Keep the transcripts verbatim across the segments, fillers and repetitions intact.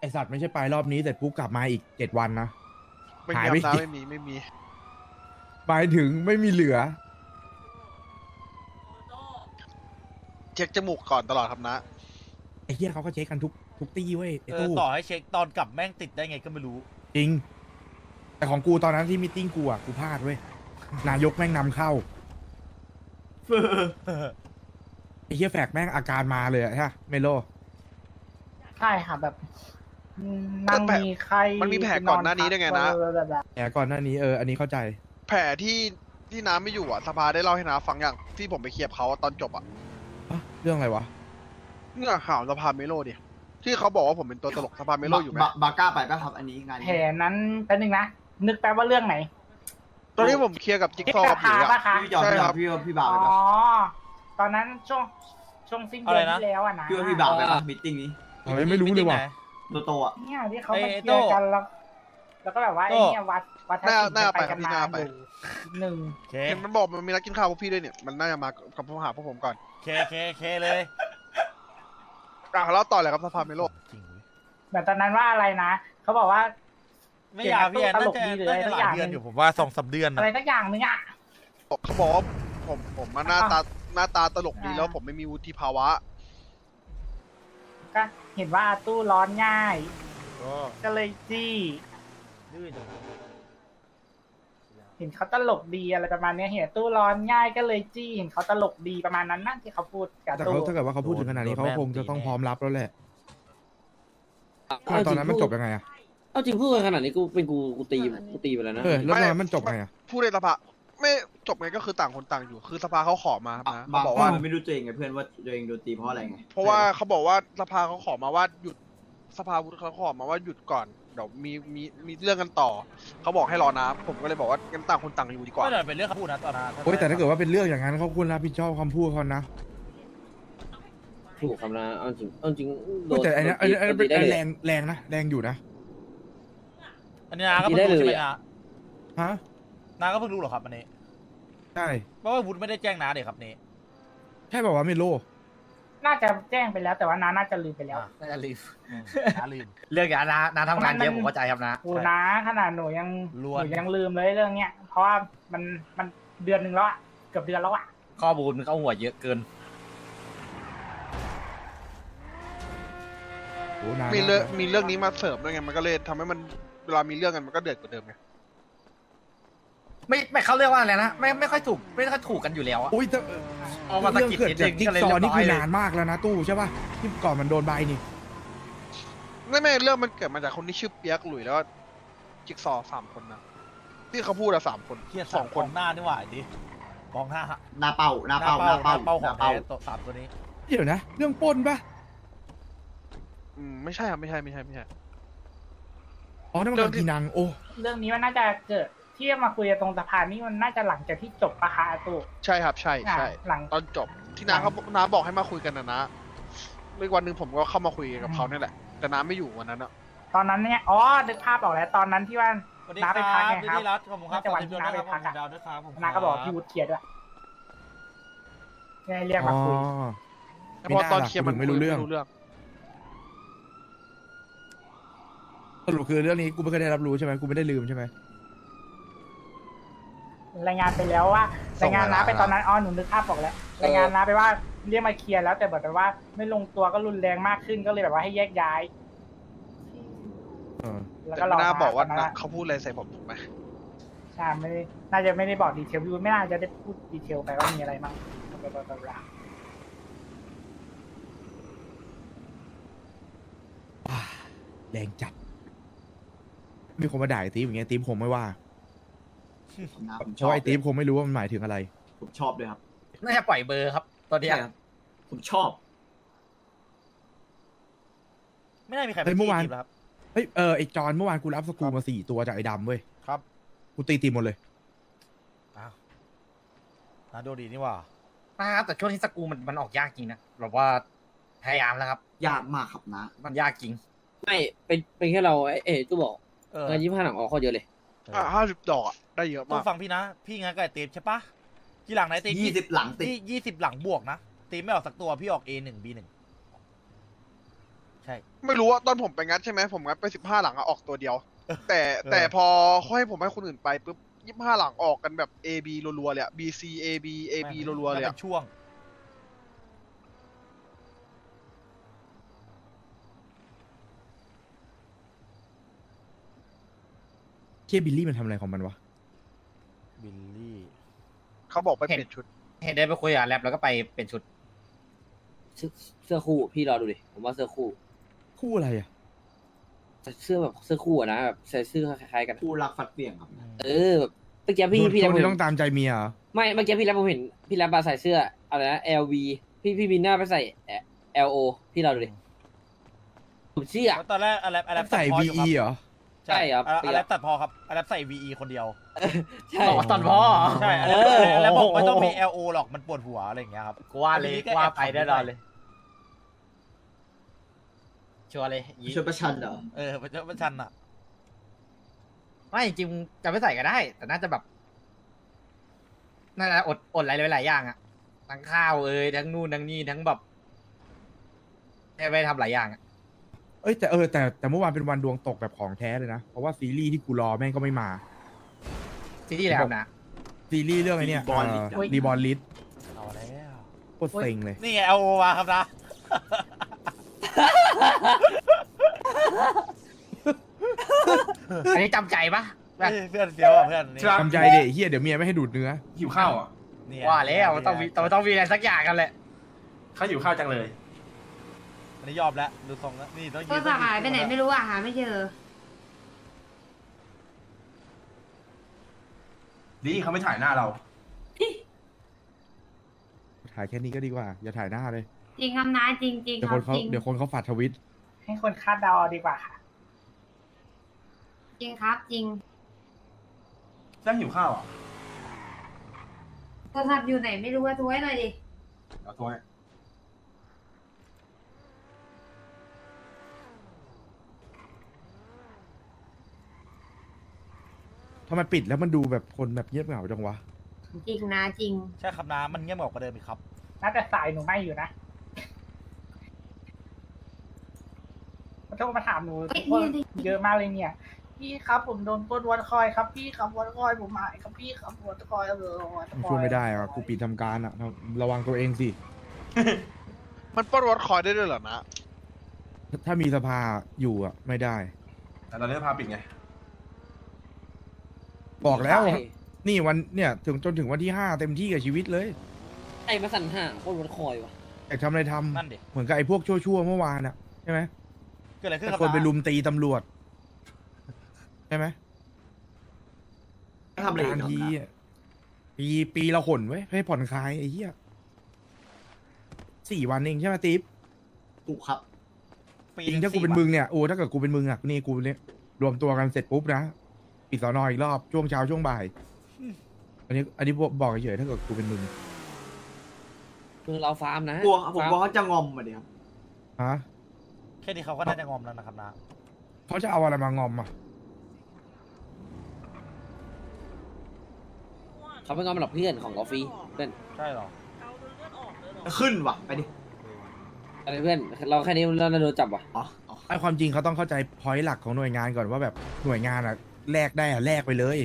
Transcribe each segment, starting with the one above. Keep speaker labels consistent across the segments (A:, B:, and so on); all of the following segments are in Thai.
A: สัตว์ไม่ใช่ไปรอบนี้เสร็จปุ๊บกลับมาอีกเจ็ดวันนะ
B: ไม่
A: หา
B: มี
A: ยไป
B: น้ำ
A: อีก
B: ไม่มีไม่มี
A: หมายถึงไม่มีเหลือ
B: เช็คจมูกก่อนตลอดครับนะ
A: ไอ้เหี้ยเขาก็เช็คกันทุกทุกตี้เว้ยไอ้
C: เออ
A: ตู้
C: ต่อให้เช็คตอนกลับแม่งติดได้ไงก็ไม่รู้
A: จริง แต่ของกูตอนนั้นที่มีตติ้งกูอ่ะกูพลาดเว้ยนายกแม่งนำเข้าไอ้เหี้ยแฝกแม่งอาการมาเลยอะใช่ปะเมโล
D: ใช่ค่ะแบบอืมนั่ง
B: แต่แผล
D: มีไข้
B: มันมีแผลก่อนหน้านี้ด้วยไงนะ
D: แบบแบบ
A: แต่ก่อนหน้านี้เอออันนี้เข้าใจ
B: แผลที่ที่น้ำไม่อยู่อ่ะสภาได้เล่าให้น้าฟังอย่างที่ผมไปเคลียร์เขาตอนจบอ่ะ
A: อะเรื่องอะไรวะ
B: เงื่อข่าวสภาเมโลดิที่เขาบอกว่าผมเป็นตัวตลกสภาเมโลอยู่ไหม
E: บาบาก้าไปป่ะครับอันนี้งาน
D: แผล
E: นี้
D: นั้นแป๊บนึงนะ นึกแป๊บว่าเรื่องไหน
B: ตอนนี้ผมเคลียร์กับจิ๊ก
D: ที่
B: ซอว์
D: ก
B: กั
D: ระ
B: บหลุ
D: พาย ปะ
B: อ่ะ
D: คะ
E: พี่จอม
B: ใช่
E: พี่จ
B: ครั
E: อม
B: บ
E: พี่ว่าพี่บ่าว
D: อ๋
E: ไป
D: อ
E: ป่ะ
D: ตอนนั้นช่วงช่วงสิ้นเดือนที่แล้วอะนะ
E: พี่ว่าพี่บ่าวไปป่ะมิทติ้งนี้
A: ทำไมไม่รู้เลยว่ะ
E: โตโตอ่ะ
D: เนี่ยที่เขา
C: เอ้
D: มาย เคลียร์กันแล้ว แล้วก็แบบว่าไอ้เนี่ยวัดวัดทัศน์
B: หน้า
D: ไปกัน
B: หน้า
D: มา
B: ไป
D: อยู่หนึ่ง
C: โอเค
B: เห็นมันบอกมันมีนัดกินข้าวพวกพี่ด้วยเนี่ยมันน่าจะมากับพวกหาพวกผมก่อน
C: โอเคโอเคโอเคเลย
B: อ่ะแล้วต่อเลยครับสภาเมโล
C: จริงเว้ย
D: แบบตอนนั้นว่าอะไรนะเขาบอกว่า
C: ไม่อยากพี่แอน
D: ต
C: น่า
D: ลก
C: จะ
D: ดีหรือ
C: น่า
D: อะไร
C: จะ
D: สัก
C: ห
D: อ
C: ลา
D: ย่าย ง
C: เดือน
D: ห
C: อ
D: นึ่
C: ยู่
D: ง
C: ผมว่าสองสามเดือน
D: อะ
C: นะ
D: ไรสักอย่างหนึ่งอะ
B: เขาบอกว่าผมผมมาหน้าตาหน้าตาตลกดี
D: อ่า
B: แล้วผมไม่มีวุฒิภาวะ
D: ก็เห็นว่าอาตู้ร้อนง่าย
C: ก็
D: ก็เลยจี้
C: ดื้อจัง
D: เห็นเขาตลกดีอะไรประมาณเนี้ยเห็นตู้ร้อนง่ายก็เลยจี้เห็นเขาตลกดีประมาณนั้นนั่นที่เขาพูดกับ
A: แต่
D: ตู้
A: เขาถ้าเกิดว่าเขาพูดถึงขนาดนี้เขาก็คงจะต้องพร้อมรับแล้วแหละตอนนั้นมันจบยังไงอะ
F: เอาจริงพูดกันขนาดนี้กูเป็นกูกูตีกูตีไปแล้วนะ
A: เออแล้วตอนนั้นมันจบไงอะ
B: พูดในสภาไม่จบไงก็คือต่างคนต่างอยู่ คือสภาเขาขอมาครับนะ
E: บา
B: เขา
E: ง
B: บอก
E: ว่า
B: ว่า
E: ไม่รู้ตัวเองไงเพื่อนว่าตัวเองโดนตีเพราะอะไรไง
B: เพราะว่าเขาบอกว่าสภาเขาขอมาว่าหยุดสภาวุฒิเขาขอมาว่าหยุดก่อนเดี๋ยวมีมีมีเรื่องกันต่อเขาบอกให้รอนะผมก็เลยบอกว่างั้นต่างคนต่างอยู่ดีกว่า
C: ก็เดี๋ยวเป็นเรื่องเขาพูดนะตอนนั้น
A: โอ้ยแต่ถ้าเกิดว่าเป็นเรื่องอย่างนั้นเขาควรรับผิดชอบคำพูดเขานะ
F: ถูกคำนะเอาจริงเอาจริงโด
A: แต่อันนี้อันนี้อันนี้เป็น
F: โดตีได้
A: แร
F: เลย
A: งแรงนะแรงอยู่นะ
C: อันนี้นาก็เพิ่ง
F: ได้
C: รู้
F: เลย
C: ใช่ไหม
F: อะ
C: นา
A: ฮะ
C: นาก็เพิ่งรู้เหรอครับอันนี้
A: ใช่
C: เพราะว่าวุฒิไม่ได้แจ้งนาเด็กครับนี้
A: ใช่ป่าววะเมโล
D: น่าจะแจ้งไปแล้วแต่ว่าน้าน่าจะลืมไปแล้ว
C: อ่ะน่าจะลืมนาลืม
G: เรื่องอย่างนั้นนะนาทำงานเยอะ
D: มัน
G: ผมเข้าใจครับนะ
D: โอ้น้าขนาดหนูยัง
C: ล้
D: ห
C: วน
D: นูยังลืมเลยเรื่องเนี้ยเพราะว่ามันมันเดือนหนึ่งแล้วอะเกือบเดือนแล้วอะ
G: ข้อมูลมันเข้าหัวเยอะเกิน
A: โอ้นาน
B: มี
A: มาก
B: เรื่อง
A: นะ
B: มีเรื่องนี้มาเสริมด้วยไงมันก็เลยทำให้มันเวลามีเรื่องกันมันก็เดือดกว่าเดิมไง
G: ไม่ไม่เขาเรียกว่าอะไรนะไม่ไม่ค่อยถูกไม่ค่อยถูกกันอยู่แล้วอะ
A: อุ้ยแต่
G: เอามาสะ
A: เรื่อง
G: กิด
A: เกิด
G: นิด
A: จาก
G: นึง
A: จิ๊ก
G: ก็เลย
A: ซอ
G: เรีย
A: ว์
G: บ
A: นี่
G: ร้อ
A: คื
G: ย
A: อ
G: เลย
A: นานมากแล้วนะตู้ใช่ป่ะที่ก่อนมันโดนใบนี่
B: ไม่ไม่เรื่องมันเกิดมาจากคนที่ชื่อเปียกหลุยแล้วก็จิ๊กซอว์สามคนนะที่เขาพูดอะสามคน
C: เครียด
B: ส
C: ส
B: อ
C: อง ง
B: ค
C: คน นหน้านี่หว่าไอ้ดิมองหน้า
E: หน้าเป้าหน้าเป้าหน้าเป้า
C: เป้า
E: ห
C: ขอ
E: น้าง เป้า
C: แท้ตัวสามตัวนี้
A: เดี๋ยวนะ เรื่องปล้นป่ะ
B: อืมไม่ใช่ครับไม่ใช่ไม่ใช่ไม่ใช่
A: อ๋อนั่น
B: เรื่
A: มั
B: อน งที่
A: พีนังโอ้
D: เรื่องนี้มันน่าจะเกิดที่มาคุยกันตรงสะพานนี่มันน่าจะหลังจากที่จบปะคะอาตู้
B: ใช่ครับใช่ใช่
D: หลัง
B: ตอนจบที่นาเขาน้าบอกให้มาคุยกันนะนะอีกวันหนึ่งผมก็เข้ามาคุยกับเขาเนี่ยแหละแต่น้าไม่อยู่วันนั้นอะ
D: ตอนนั้นเนี่ยอ๋อนึกภาพออกแล้วตอนนั้นที่ว่า
C: สวัสดี
D: น้า
C: ค
D: ไป
C: รับ
D: พักไง
C: ดี
D: ครับ
C: ดีรัตขอบคุณครับ
D: น่าจะวันที่น้าไปพักอะ
C: ดาวด้วยครับผม
D: น้าก็บอกว่าพี่วุฒิเคลียร์ด้วยเนี่ยเรียก
A: อ๋
D: มา
A: อ
D: คุย
B: แต่พอตอนเคลียร์มัน
A: ไม่รู้เรื่อง
B: ไม่รู้เรื่อง
A: สรุปคือเรื่องนี้กูไม่เคยได้รับรู้ใช่ไหมกูไม่ได้ลืมใช่ไหม
D: รายงานไปแล้วว่า
A: ส่
D: ราง ยงานน้าไป
A: เวลา
D: ตอนนั้นอ๋อหนูนึกภาพบอกแล้วรายงานน้าไปว่าเรียกมาเคลียร์แล้วแต่แบบว่าไม่ลงตัวก็รุนแรงมากขึ้นก็เลยแบบว่าให้แยกย้าย
A: เออ
D: แล้ว
B: แต่
D: ก็รอ
B: ไม่น่าบอกว่า
D: ตนนั้น
B: นะ
D: อะ
B: เขาพูดอะไรใส่ผมถูกไหม
D: ใช่ไม่ได้น่าจะไม่ได้บอกดีเทลพี่วุฒิไม่น่าจะได้พูดดีเทลไปว่ามีอะไรบ้างบลาบลาบลา
A: แรงจัด มีคนมาด่าไอ้ตีฟอย่างเงี้ยตีฟคงไม่ว่า
E: นะผม
A: เพ
E: ชอบ
A: ราะไอ้ตีฟคงไม่รู้ว่ามันหมายถึงอะไร
E: ผมชอบด้วยครับ
G: น่าจะปล่อยเบอร์ครับ ตอนเนี้ย
E: ใช่ครับผมชอบ
C: ไม่น่ามีใครไป
A: เฮ้ยเมื่อวาน
C: จีบแล้วครับ
A: เฮ้ยเออไอ้จอนเมื่อวานกูรับสกรูมาสี่ตัวจากไอ้ดำเว้ย
C: ครับ
A: กูตีตีหมดเลย
C: อ้าวนาโดดีนี่หว่า
G: นะครับแต่ช่วงที่สกรูมันมันออกยากจริงนะแบบว่าพยายามแล้วครับ
E: ยากมากครับนะ
G: มันยากจริง
F: ไม่เป็นเป็นแค่เราไอ้เอ๋ตู้บอก
C: เออ
F: งานยี่ห้าหลังออกเขาเยอะเลย
B: อ่ะห้าสิบดอกอะได้เยอะ
C: ต้อ
B: มาก
C: งฟังพี่นะ พี่งั้นกับไอ้ตีมใช่ปะกี่หลังไหนตีม
E: ยี่สิบหลังติด
C: ยี่ยี่สิบหลังบวกนะตีมไม่ออกสักตัวพี่ออก A หนึ่ง B หนึ่งใช่
B: ไม่รู้ว่าตอนผมไปงัดใช่ไหมผมงัดไปสิบห้าหลังอะออกตัวเดียว แต่แต่พอเขาให้ผมให้คนอื่นไปปุ๊บยี่ห้าหลังออกกันแบบ A B รัวๆเลยอะ B C A B A B รัวๆเลย
C: มั
B: อะ
C: นป็นช่วง
A: เคียบิลลี่มันทำอะไรของมันวะ
C: บิลลี่
B: เขาบอกไปเปลี่ยนชุด
G: เห็นได้ไปคุยกับแรปแล้วก็ไปเป็นชุด
F: เสื้อเสื้อคู่พี่รอดูดิผมว่าเสื้อคู่
A: คู่อะไรอ่ะ
F: เสื้อแบบเสื้อคู่อะนะแบบใส่เสื้อคล้ายๆกัน
E: คู่รักฟัดเบี่ยงครับ
F: เออแบบเมื่อกี้พี่พี่
A: ค
F: แรป
A: น
F: ผม
A: ที่
F: เห็
A: ต้องตามใจเมียเหรอ
F: ไม่เมื่อกี้พี่แรปผมเห็นพี่แรปมาใส่เสื้ออะไรนะ แอล วี พี่พี่บินหน้าไปใส่ แอล โอ พี่รอดูดิผมเชื่อ
C: แล้วตอนแรกอะไรอะไร
A: ใส่
C: ตัดพอ
A: วี
C: อยู่
A: อีเหรอ
F: ใช่ครับ
C: อะไรตัดพอครับอะไรใส่ วี อี คนเดียว
F: ใช่
G: บอกว่าตอนพ่อ
C: ใช่
F: เออ
C: แล้วบอกไม่ต้องมี แอล โอ หรอกมันปวดหัวอะไรอย่างเงี้ยครับ
G: กูว่าเลย
C: อันนี้ก็
G: กูว่า
C: แอบ
G: ไปแน่นอนเลย ชัวร์เลยยี
E: ชุดประชันเหรอ
C: เออมันจะมันชันอ่ะ
G: ไม่จริงๆจะไม่ใส่ก็ได้ แต่น่าจะแบบน่าจะอดอดอะไรหลายๆอย่างอะทั้งข้าวเอ้ยทั้งนู่นทั้งนี่ทั้งแบบไปทำหลายอย่างอะ
A: เอ้ยแต่เออแต่แต่เมื่อวานเป็นวันดวงตกแบบของแท้เลยนะ เพราะว่าซีรีส์ที่กูรอแม่งก็ไม่มา
G: ที่ที่แล้วนะ
A: ซีรีส์เรื่องไอ้เนี่ย
E: Reborn List
A: รีบอลลิส
C: เอาแล้ว
A: โคตรเซ็งเลย
C: นี่ไง แอล โอ มาครับนะ
G: อันนี้จำใจปะแบบ
C: เฮ้ยเพื่อนเฟี้ยวอ่ะเพื่อนนี่
A: ทำใจเด็เฮียเดี๋ยวเมียไม่ให้ดูดเนื้อ
H: หิวข้าวอ่ะ
C: นี่
G: ว่าแล้วต้องมีต้องต้องมีอะไรสักอย่างกันแหละ
H: เขาหิวข้าวจังเลย
C: อันนี้ยอมแล้วดูทรงแล้วนี่ต้องยื
I: โทรศัพท์หายไปไหนไม่รู้อ่ะหาไม่เจอ
H: ดีเขาไม่ถ่ายหน้าเรา
A: ถ่ายแค่นี้ก็ดีกว่า อย่าถ่ายหน้าเลย
I: จริงคำน้าจริงจริง
A: เดี๋ยว
I: ค
A: ครับ นเขา
I: จริง
A: เดี๋ยวคนเขาฝัดทวิต
D: ให้คนคาดเดาเอาดีกว่าค่ะ
I: จริงครับจริง
H: แจ้งหิวข้าวอ่ะ
I: โทรศัพท์อยู่ไหนไม่รู้ว่าโทรให้หน่อยดิ
H: เอาโทรให้
A: ทำไมปิดแล้วมันดูแบบคนแบบเงียบเหงาจังวะ
I: จริงนะจริง
C: ใช่ครับนะมันเงียบกว่าเดิมอีกครับ
D: น่าจะสายหนูไม่อยู่นะเขาโทรมาถามหนู
I: เอ้ย
D: ว่า
I: นี่
D: เยอะมากเลยเนี่ย พี่ครับผมโดนปล้นวันคอยครับพี่ครับวันคอยผมหายครับพี่ครับวันคอยเออวันคอย
A: ช่วยไม่ได้อ่ะกูปิดทำการอ่ะระวังตัวเองสิ
B: มันปล้นรถคอยได้ด้วยเหรอนะ
A: ถ้ามีสภาอยู่อ่ะไม่ได้
H: แต่ตอนนี้พาปิดไง
A: บอกแล้ว
F: ใช่
A: นี่วันเนี่ยถึงจนถึงวันที่ห้าเต็มที่กับชีวิตเลย
F: ไอ้มาสั่นห่างโคตรวันคอยวะ
A: อยากทำอะไรท
C: นั่นดิ
A: ำเหมือนกับไอ้พวกชั่วๆเมื่อวานอ่ะใช่ไหม
C: เกิดอะไรขึ้นค
A: แต่
C: รับ
A: คนไป
C: นะ
A: ลุมตีตำรวจใช่ไหม
E: ไม่ทำอะไรอีก
A: นาน
E: ครับ
A: ที
E: นะ
A: อะปีปีละหนไว้ยให้ผ่อนคลายไอ้เหี้ยสี่วันเองใช่ไหมติ๊บ
E: ถูกครับ
C: ปี
A: จริงถ้ากู
C: สี่
A: เป็น
C: วั
A: มึงเนี่ยโอ้ถ้าเกิดกูเป็นมึงอ่ะนี่กูเนี่ยรวมตัวกันเสร็จปุ๊บนะปิดสอนออีกรอบช่วงเช้าช่วงบ่ายอันนี้อันนี้บอกเฉยๆถ้าเกิดกูเป็นมึง
F: มือเราฟาร์มนะ
E: กลัวผม
F: ฟาร์
E: กลัวเขาจะงอมมาดิครับ
A: ฮะ
C: แค่นี้เขาก็น่าจะงอมแล้วนะครับนะ
A: เขาจะเอาอะไรมางอมอ่ะ
F: เขาเป็นงอมหลับเพื่อนของกาแฟเพื่อน
C: ใช่เหรอ
E: ขึ้นว่ะ ไปดิ
F: อะไรเพื่อนเราแค่นี้เราโดนจับว่ะ
E: อ๋ออ๋อ
A: ไอ้ความจริงเขาต้องเข้าใจพอยต์หลักของหน่วยงานก่อนว่าแบบหน่วยงานอ่ะแลกได้อ่ะแลกไปเลย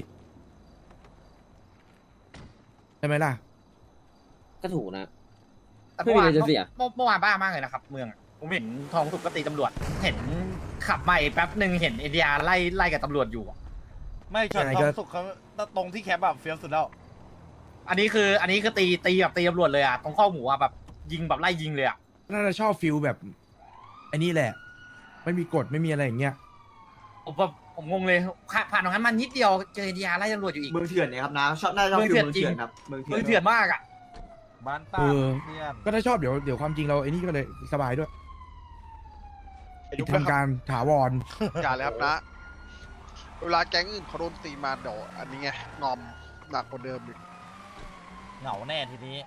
A: ใช่ไหมล่ะ
F: ก็ถูกนะ
G: แต่
F: ไม่
G: เมื่อ
F: มี
G: วาน
F: อะไรจะเสีย
G: เมื่อเมื่อวานบ้ามากเลยนะครับ เมืองอะผมเห็นทองสุกก็ตีตำรวจ เห็นขับมาอีกแป๊บหนึ่งเห็นเอเดียไล่ไล่กับตำรวจอยู่อะ
C: ไม่ช็อต
A: ยังไง
C: ท
A: ก็
C: องสุกเขาตรงที่แคปแบบเฟี้ยวสุดแล้ว
G: อันนี้คือ อันนี้คือตีตีแบบตีตำรวจเลยอะตรงข้อหมูอะแบบยิงแบบไล่ยิงเลยอะ
A: น่าจะชอบฟิลแบบไอ้นี่แหละ ไม่มีกฎไม่มีอะไรอย่างเงี้ย
G: ผมแบบผมงงเลยผ่านตรงนั้นมันนิดเดียวเจอเอเดียไล่ตำรวจอยู่อีก
E: เมืองเถื่อนเนี่ยครับนะชอบน่าจะชอบ
G: เมือง
E: ฟิล
G: เถื่อน
E: เมืองเถื่อน
G: จริง
E: ครับ เมืองเถื่
G: มื
E: อน
G: อเถื่อนมากอะ
C: บ้านตา
A: เออ
C: เพื่อน
A: ก็ถ้าชอบเดี๋ยวเดี๋ยวความจริงเราไอ้นี่ก็เลยสบายด้วย
B: อา
A: ปิ
B: ยุ
A: ด
B: ไม่ครับ
A: ทำการถาวร
B: อย่าเลยครับนะ เวลาแก๊งอื่นเขาโดนตีมาเดี๋ยวอันนี้ไงงอมหนักกว่าเดิมอีก
C: เหงาแน่ทีนี้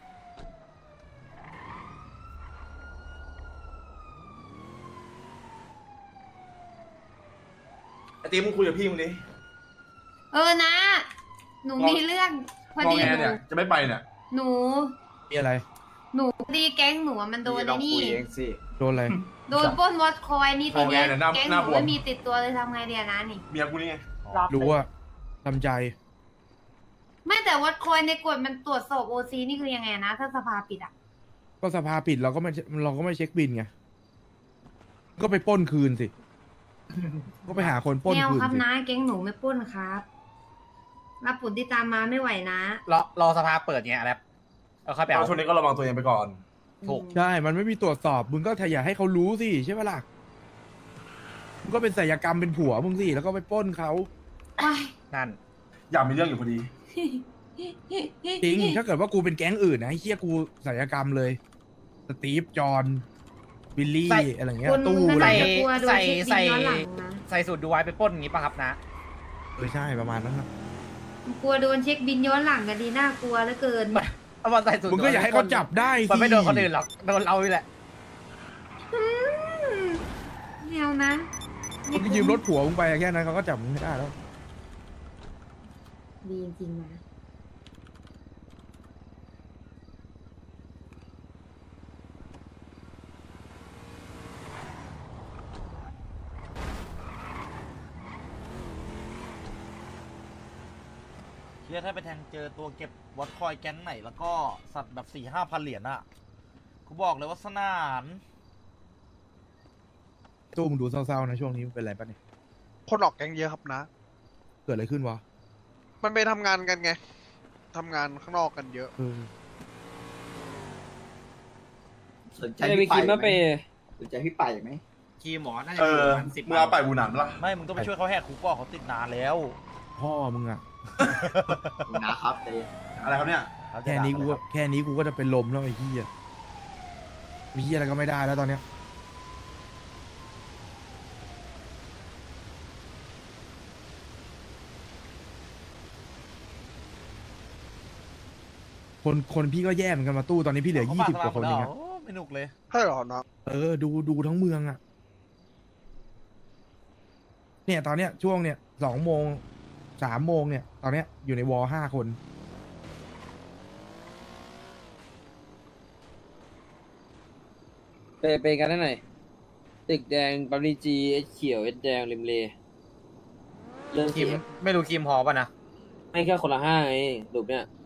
H: ไอตีมึงคุยกับพี่มึงดิ
I: เออนะ หนูมีเรื่องพอ
H: มอง
I: ดี
H: แง
I: หนู
H: เนี่ย จะไม่ไปเนี่ย
I: หนู
A: มีอะไร
I: หหนูดีแก๊งหนูอะมันโดนไอ้นี่
A: โดนอะไร
I: โดนปล้นวอตคอยนี่ทีเนี้ย
H: เอาไงเนี่ยหน้า
I: แก๊ง
H: ห
I: ห
H: น้า
I: นู
H: บวม
I: ไม่มีติดตัวเลยทำไงเดียนะนี่
H: เมียกูนี่ไง
D: รอบ
A: รู้ว่าทำใจ
I: ไม่แต่วอตคอยในกฎมันตรวจสอบโอซีนี่คือยังไงนะ ถ้าสภาปิดอ่ะ
A: ก็สภาปิดเราก็ไม่เราก็ไม่เช็คบินไงก็ไปปล้นคืนสิ ก็ไปหาคนปล้น
I: แนว
A: คืน
I: ครับ
A: สิ
I: นะแก๊งหนูไม่ปล้นครับรับผลที่ตามมาไม่ไหวนะ
G: รอรอสภาเปิดเงี้ยแล้วเอาค่อยไป
H: เอา
G: เอา
H: ช่วงนี้ก็ระวังตัวเองไปก่อน
G: ถูก
A: ใช่ มันไม่มีตรวจสอบ มึงก็อย่าให้เขารู้สิใช่ไหมล่ะ มึงก็เป็นศิลยกรรมเป็นผัวมึงสิ แล้วก็ไปปล้นเขา
G: นั่น
H: อยากมีเรื่องอยู่พอดี
A: จริง ถ้าเกิดว่ากูเป็นแก๊งอื่นนะไอ้เฮียกูศิลยกรรมเลย สตีฟ จอห์น บิลลี่
G: ใส่
A: อะไรเงี้ย
I: คน
A: ตู้
I: ข
A: อะไร
I: นาด
A: เงี้ย
I: จะกลัวโดน
G: ใส่
I: เช็คบิน
G: ใส่
I: ย้อนหลังนะ
G: ใส่สูตรดูไว้ไปปล้นอย่างงี้ป่ะครับนะ
A: เออใช่ประมาณนั้นครับ
I: กลัวโดนเช็คบินย้อนหลังกันดีน่ากลัวเหลือเกิน
G: เอามาใส่สูตร
A: มึงก็อย่าให้เขาจับได้สิ
G: มันไม่โดนคนอื่นหรอกโดนเรานี่แหละ
I: แนวนะ
A: มึงก็ยืมรถผัวมึงไปแค่นั้นเขาก็จับมึงไม่ได้แล้ว
I: ดีจริงๆนะ
C: เฮียถ้าไปแทงเจอตัวเก็บวอตคอยแก๊งไหนแล้วก็สัตว์แบบสี่ห้าพันเหรียญอะกูบอกเลยว่าสนาน
A: ตู้มึงดูเศร้าๆนะช่วงนี้มึงเป็นไรปะเนี่ย
B: คนออกแก๊งเยอะครับนะ
A: เกิดอะไรขึ้นวะ
B: มันไปทำงานกันไงทำงานข้างนอกกันเยอะ
A: เออ
E: สนใจ
F: ไม่ได้ไป
E: พี่
F: กิน
E: ไป
F: มา
E: ไห
F: ไป
E: มสนใจพี่ไปไหม
G: คีหมอน่าจะ
H: เอ
G: อยู่
H: อ
G: ประมาณสิบ
H: มึงเอาไปบูหนานปะล่ะ
C: ไม่มึงต้องไปช่วยเขาแหกคุกก่อนเขาติดนานแล้ว
A: พ่อมึงอะ
E: นะครับเต้
H: อะไรครับเนี่ย
C: เขาจะ
A: แค่นี้กู
C: ด่า
A: ก็แค่นี้กูก็จะเป็นลมแล้วไอ้เหี้ยมีเหี้ยอะไรก็ไม่ได้แล้วตอนเนี้ย คนคนพี่ก็แย่เหมือนกันมาตู้ตอนนี้พี่เหลือ
C: เขา
A: ยี่
C: ฝาก
A: สิบกว่าคน
C: ส
A: เอง
C: ล
A: อะ
C: โอ้ไม่หนุกเลย
B: ใช่เหรอนะ
A: เออดูดูทั้งเมืองอะเนี่ยตอนเนี้ยช่วงเนี้ยสองโมงสามโมงเนี่ย ตอนเนี้ยอยู่ในวอลห้าคน
F: ไปไปกันได้หน่อยตึกแดงปั๊มดีจีเอสเขียวเอสแดงริมเลเรื่อง
G: คี
F: เสี
G: ม
F: ย
G: ไม่รู้คีมพอป่ะนะ
F: ไม่แค่คนละห้าไงรูปเนี้ย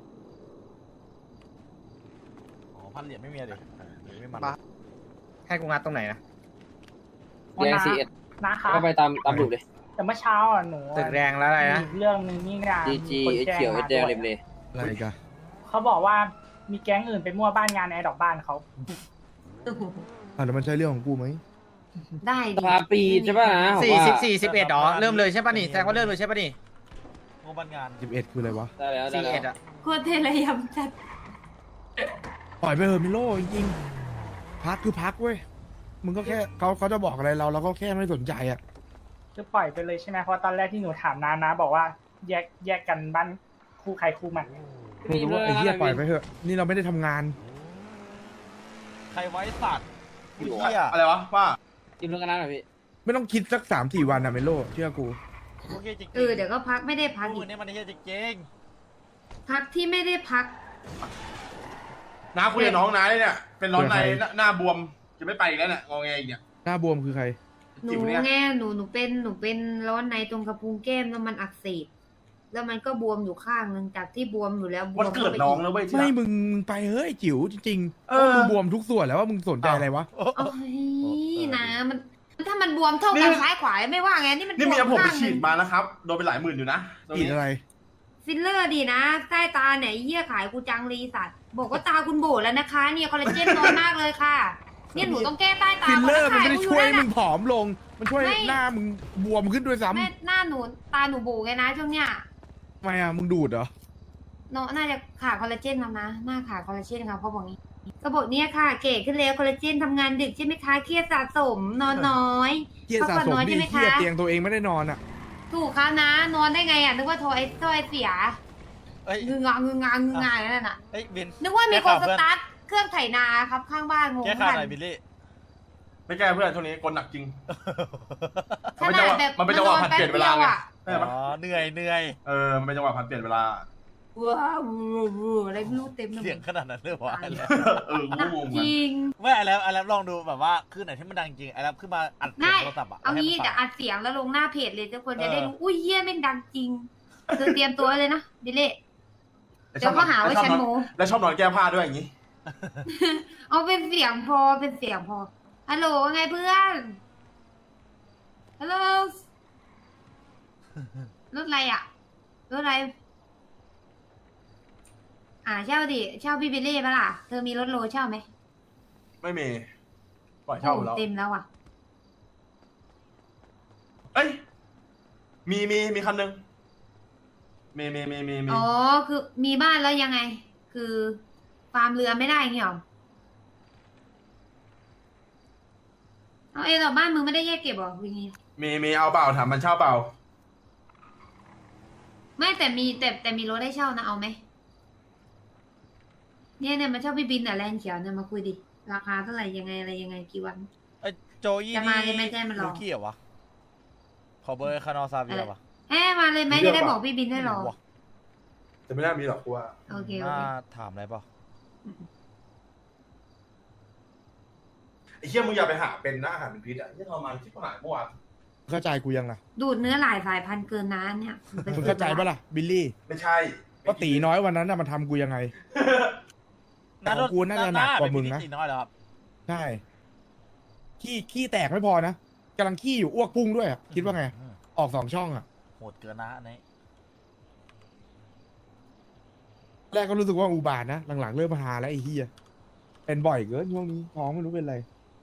C: อ๋อพันเหรียญไม่มีอะดิเออเดี๋ยวไม่มัน
B: มา
G: ให้กูงัดตรงไหนนะ
F: แดงซีเอส
D: นะครับ
F: ก็ไปตามตามรูปเลย
D: แต่เมื่อเช้าอ่ะหนู
G: ตึกแดงแล้วอะไรนะ
D: มีเรื่องหนึงนี่นะ
F: ดีจี
D: มีคน
F: เอส
D: แจ้ง
F: เขียวเอ
D: มา
F: สแดง
D: ด้ว
F: ริมเลย
A: อะไรกัน
D: เขาบอกว่ามีแก๊งอื่นไปมั่วบ้านงานแอร์ดอกบ้านเขา
A: อ่ะแล้วมันใช่เรื่องของกูไหม
I: ได้
F: สภาปีใช่ป่ะนะผม
G: สี่
F: ว่า
G: สิบสี่สิบเอ็ดอ๋อเริ่มเลยใช่ป่ะนี่แสดงว่าเริ่มเลยใช่ป่ะนี่
C: งบบันงาน
A: สิบเอ็ดคืออะไรวะ
F: ได้แล้วได้
G: สี่
F: แล้
G: เอ็ด
F: ว
G: อะ
I: โคตรเทระยำจัด
A: ปล่อยไปเถอะมิโลจริงๆพักคือพักเว้ยมึงก็แค่เขาเขาจะบอกอะไรเราเราก็แค่ไม่สนใจอ่ะ
D: คือปล่อยไปเลยใช่ไหมเพราะตอนแรกที่หนูถามนานะบอกว่าแยกแยกกันบ้านคู่ใครคู่มัน
A: ไม่รู้ว่าไอ้เหี้ยปล่อยไปเถอะนี่เราไม่ได้ทำงาน
C: ใครไว้สัตว์
F: พี่หลวง
C: เฮีย
H: อะไรวะป้า
F: จิ้มเรื่องกันนะหน่อยพี่
A: ไม่ต้องคิดสักสามสี่วันนะมิโลเชื่อกู
C: พวกเฮียจริงๆ
I: เออเดี๋ยวก็พักไม่ได้พัก
C: พว
I: อี
C: ก
I: ก
C: นี้มันเฮียจริง
I: พักที่ไม่ได้พัก
H: น้าคุยกับน้องน้าเลยเนี่ย เป็นร้อนในหน้าหน้าบวม จะไม่ไปอีกแล้วเนี่ยงอแงอีกเนี่ย
A: หน้าบวมคือใคร
I: หนู
H: จิ๋วเนี่ย
I: แง่หนูหนูเป็นหนูเป็นร้อนในตรงกระพุ้งแก้มแล้วมันอักเสบแล้วมันก็บวมอยู่ข้างหนึงจากที่บวมอยู่แล้วบว
H: วัน
I: ม
H: เกิดน้องแล้วเว้ยที่
A: ไม่
H: รัก
A: มึงมึงไปเฮ้ยจิ๋วจริงๆ
H: เอ
A: เอ
H: อ
A: อมึงบวมทุกส่วนแล้วว่ามึงสนใจอะไรวะ
I: โอ้ยนะมันถ้ามันบวมเท่ากันซ้ายขวาไม่ว่าไงนี่มัน
H: นี่เมียผมไป
I: ข้างห
H: ฉี
I: นึ่
H: ด
I: ง
H: มานะครับ โดนไปหลายหมื่นอยู่นะตรง
A: กิน
H: นี้
A: อะไร
I: ฟิลเลอร์ดีนะใต้ตาเนี่ยไอ้เหี้ยขายกูจังรีสัตว์บอกว่าตาคุณโบแล้วนะคะเนี่ยคอลลาเจนน้อยมากเลยค่ะเนี่ยหนูต้องแก้ใต้ตา
A: ฟิลเลอร์
I: ก่
A: มัน
I: นะ
A: ไม่ได้
I: ขายกู
A: ช่วยให้
I: อ
A: มึงผอมลง มันช่วย
I: ไม่
A: หน้ามึงบวมขึ้นด้วยซ้ำ
I: แม่หน้าหนูตาหนูโบไงนะช่วงเนี้ย
A: ทำไมอ่ะมึงดูดเหรอ
I: เนาะน่าจะขาดคอลลาเจนครับนะหน้าขาดคอลลาเจนครับเขาบอกงี้ก็บอกเนี่ยค่ะ เก๋ขึ้นแล้วคอลลาเจนทำงานดึกใช่ไหมคะเครียดสะสมนอนน้อย
A: เกียร์สะ
I: พักผ่อน
A: สม
I: น้อย
A: ดิ
I: ใช่ไหม
A: เกีย
I: คะ
A: ร์เตียงตัวเองไม่ได้นอนอ่ะ
I: ถูกครับนะ นอนได้ไงอ่ะนึกว่าโทรไอ้โทรไอ้เสีย
C: ๆเอ้ย
I: งึงงางึงงางึงงางนั่นน่ะ
C: เอ้ยบิน
I: นึกว่ามี
C: แก้
I: คน
C: ข่าว
I: ส
C: เพื่อน
I: ตาร์ทเครื่องไถนาครับข้างบ้านงง
C: แก้ข่าว
I: กัน
C: หน่อยบิลลี่
H: ไม่แก้เพื่อนช่วงนี้กลหนักจริง
I: ขนาดแบบ
H: มันเป็นจังหวะ
I: นอน
H: ผัดเปลี่ยนเวลาไง
I: แป๊บดีอะ
H: เออ
C: อ๋อเหนื่อยเหนื่อย
H: เออมันเป็นจังหวะผัดเปลี่ยนเวลา
I: ว้าวอะไรไม่รู้เต็มไปหม
C: เสียง
I: ด
C: ขนาดนั้นเลยวะ
I: ตายแล้ว
H: เออกู
I: หนั
H: ก็
I: ก
H: งง
I: จ
H: มัน
I: ริง
C: ไม่ไอ้แล้วไอ้แล้วลองดูแบบว่าคือไหนที่มันดังจริงไอ้แล้วขึ้นมาอัดเสีย
I: ได้
C: งโทรศัพท์อะ
I: เอางี้
C: ให้มัน
I: เดี๋ยว
C: ฟัง
I: อัดเสียงแล้วลงหน้าเพจเลยทุกคนจะได้
C: เออ
I: รู้อุ้ยเยี่ยแม่งดังจริงเธอเตรียมตัวเลยนะบิเล่
H: แล้ว
I: เดี๋ยวก็หาว่า
H: ชอบ
I: ฉัน
H: นอน
I: โม
H: แล้วชอบนอนแก้ผ้าด้วยอย่างงี้
I: เอาเป็นเสียงพอเป็นเสียงพอฮัลโหลว่าไงเพื่อนฮัลโหลรถอะไรอ่ะรถอะไร อ่าเช่าดิเช่าพี่บิลลี่ปะล่ะเธอมีรถโลเช่าไหม
H: ไม่มีปล่อยเช่าหมด
I: โอ้
H: แล้ว
I: เต็มแล้วอ่ะ
H: เอ้ยมีมีมีคันหนึงมีมีมีมีมี
I: อ๋อคือมีบ้านแล้วยังไง คือฟาร์มเรือไม่ได้เงี้ยหรอเอาเอต่อบ้านมึงไม่ได้แยกเก็บหรอวิงี้
H: มีมีเอาเปล่าถามมันเช่าเปล่า
I: ไม่แต่มีแต่แต่มีรถให้เช่านะเอาไหมเนี่ยเนี่ยมาเช่าพี่บินแต่แลนด์เขียวเนี่ยมาคุยดิราคาเท่าไหร่ยังไงอะไรยังไงกี่วัน
C: ไอ้โจยี่
I: จะมาเลยไหมแจ้งมันรอ
C: ลูกี้เหรอวะขอเบอร์คานอซาเวียปะ
I: เอ๊ะมาเลยไหมจะได้บอกพี่บินให้รอ
C: ไม่รู้ว่ะ
H: แต่ไม่น่ามีหรอกกูว่า
I: โอเคโอ
C: น่า
I: เค
C: ถามอะไรเปล่า
H: ไอ้เหี้ยมึงอย่าไปหาเป็นนะอาหารเป็นพิษอ่ะไอ้เหี้ยทรมานที่ผ่านเมื่อวาน
A: เข้าใจกูยังล่ะ
I: ดูดเนื้อหลายสายพันธุ์เกินน้าเนี่ย
A: มึงเข้าใจปะล่ะบิลลี่
H: ไม่ใช่
A: ว่าตีน้อยวันนั้นน่ะมันทำกูยังไง แต่ของกูน่าจะหนักกว่ามึงนะ
C: เป็พิธีน้อยแล้วครับ
A: ใช่ขี้ขี้แตกไม่พอนะกำลังขี้อยู่อ้วกพุ่งด้วยอะคิดว่าไง
C: อืม
A: ออกสองช่องอ่ะ
C: โหดเกินนะอันนี้
A: แรกก็รู้สึกว่าอุบาทนะหลังๆเริ่มมาหาแล้วไอ้เฮียเป็นบ่อยเกินช่วงนี้ท้องไม่รู้เป็นไร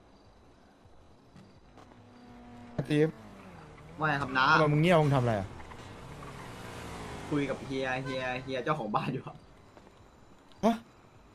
A: อาทิตย์
E: ว่าไงครับน้า
A: ทำไมมึงเงี้ยวมึงทำอะไรอ่ะ
E: คุยกับเฮียเฮียเฮียเจ้าของบ้านอยู่ครับ
A: ฮะ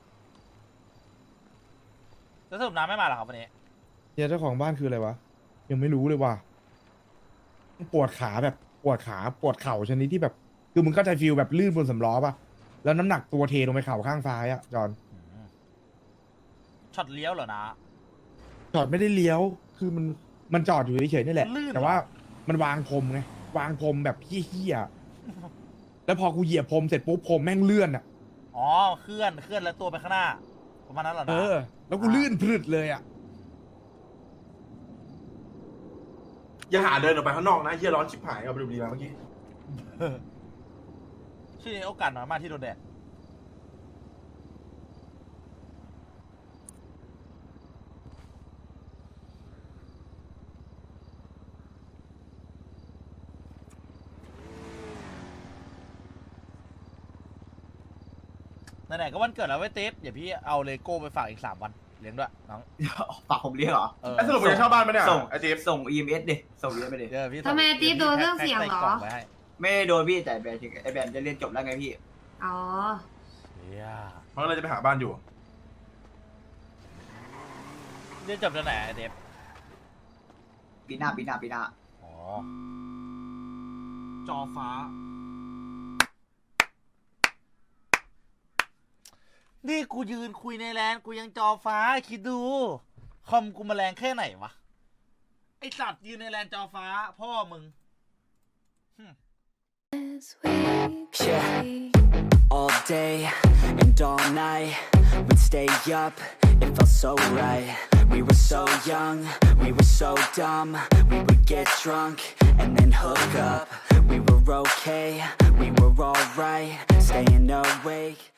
C: แล้วสรุปน้ำไม่มาเหรอครับวันนี้
A: เฮียเจ้าของบ้านคืออะไรวะยังไม่รู้เลยว่ะปวดขาแบบปวดขาปวดเข่าชนิดที่แบบ คือมึงเข้าใจฟิลแบบลื่นบนสำล้อป่ะแล้วน้ำหนักตัวเทลงไปเข่าข้างซ้ายอ่ะจอน
C: อืมช็อตเลี้ยวเหรอนะ
A: จอดไม่ได้เลี้ยว คือมันมันจอดอยู่เฉยๆนี่แหละ
C: ลื่นเหรอ
A: แต่ว่ามันวางพรมไงวางพรมแบบเฮี้ยๆแล้วพอกูเหยียบพรมเสร็จปุ๊บพรมแม่งเลื่อนอ่ะ
C: อ๋อเคลื่อนเคลื่อนแล้วตัวไปข้างหน้าประมาณนั้นเหรอนะ
A: เออ แล้วกูลื่นพรึดเลยอ่ะ
H: อย่าหาเดินออกไปข้างนอกนะเหี้ยร้อนชิบหายเอาไปดูดีมาเมื่อกี้
C: ช่วงนี้โอกาสน้อยมากที่โดนแดด ไหนๆก็วันเกิดแล้วไว้ยติ๊บเดี๋ยวพี่เอาเลโก้ไปฝากอีกสามวันเลี้ยงด้วยน้อง
E: ฝากผมเรียกเหรอ
C: เออ
H: ไอ้สรุปมึงจะเช่าบ้านไหมเนี่ย
E: ส่ง
H: ไอ้จิ๊บ
E: ส่ง อี เอ็ม เอส ดิส่ง อี เอ็ม เอส ดิ
C: เดี๋ยวพี่
I: ทำไมติ๊บโดนเรื่องเสียงเหรอ
C: แพ็คใส่กล่งไว้ให้
E: ไม่ได้โดนพี่แต่แบนไอแบนจะเรียนจบแล้วไงพี่
I: อ๋อ
C: เชี่ย
H: มันก็เลยจะไปหาบ้านอยู่
C: เรียนจบจากไหนไอ้เดฟ
E: ปีหน้าปีหน้าปีหน้า
C: อ๋อจอฟ้า นี่กูยืนคุยในแลนด์กูยังจอฟ้าคิดดู คอมกูมาแรงแค่ไหนวะ ไอสัตว์ยืนในแลนด์จอฟ้า พ่อมึง
J: Yeah, all day and all night we'd stay up, it felt so right. We were so young, we were so dumb. We would get drunk and then hook up. We were okay, we were alright, staying awake.